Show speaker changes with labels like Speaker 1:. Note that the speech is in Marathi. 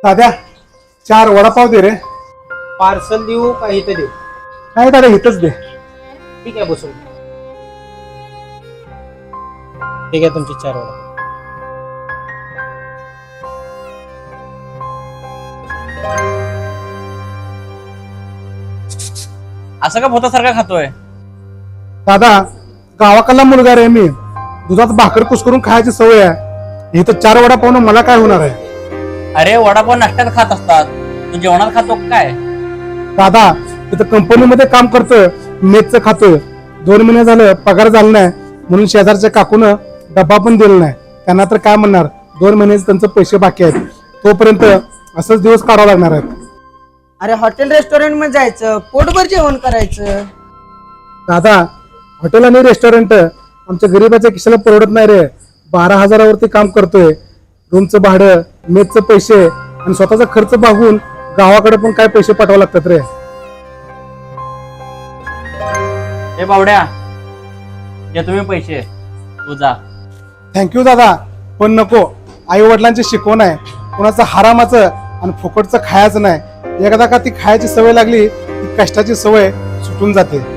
Speaker 1: दादा 4 वडापाव दे रे.
Speaker 2: पार्सल देऊ का इथं देऊ?
Speaker 1: नाही दादा इथंच दे.
Speaker 2: ठीक आहे बसून. ठीक आहे तुमची 4 वडा.
Speaker 3: असं का भूतासारखा खातोय?
Speaker 1: दादा गावाकडला मुलगा रे मी. दुधात भाकर कुस्करून खायची सवय आहे. इथं 4 वडापाव मला काय होणार आहे?
Speaker 3: अरे वडापाव नाश्त्यात खात असतात, तू जेवणात खातो काय?
Speaker 1: दादा इथं कंपनीमध्ये काम करतोय, मेसचं खातोय. 2 महिने झालं पगार झाला नाही म्हणून शेजारच्या काकून डब्बा पण दिला नाही. त्यांना तर काय म्हणणार, 2 महिन्याचे त्यांचे पैसे बाकी आहेत. तोपर्यंत असंच दिवस काढावं लागणार आहेत.
Speaker 4: अरे हॉटेल रेस्टॉरंट मध्ये जायचं, पोटभर जेवण करायचं.
Speaker 1: दादा हॉटेल आणि रेस्टॉरंट आमच्या गरीबाच्या खिशाला परवडत नाही रे. 12,000वरती काम करतोय. रूमचं भाडं, मेसचं पैसे आणि स्वतःचा खर्च भागून गावाकडे पण काय पैसे पाठवावे लागतात रे.
Speaker 3: हे बावड्या, घे तुम्ही पैसे, तू जा.
Speaker 1: थँक्यू दादा, पण नको. आई वडिलांची शिकवण आहे, कुणाचं हरामाचं आणि फुकटचं खायचं नाही. एकदा का ती खायची सवय लागली की कष्टाची सवय सुटून जाते.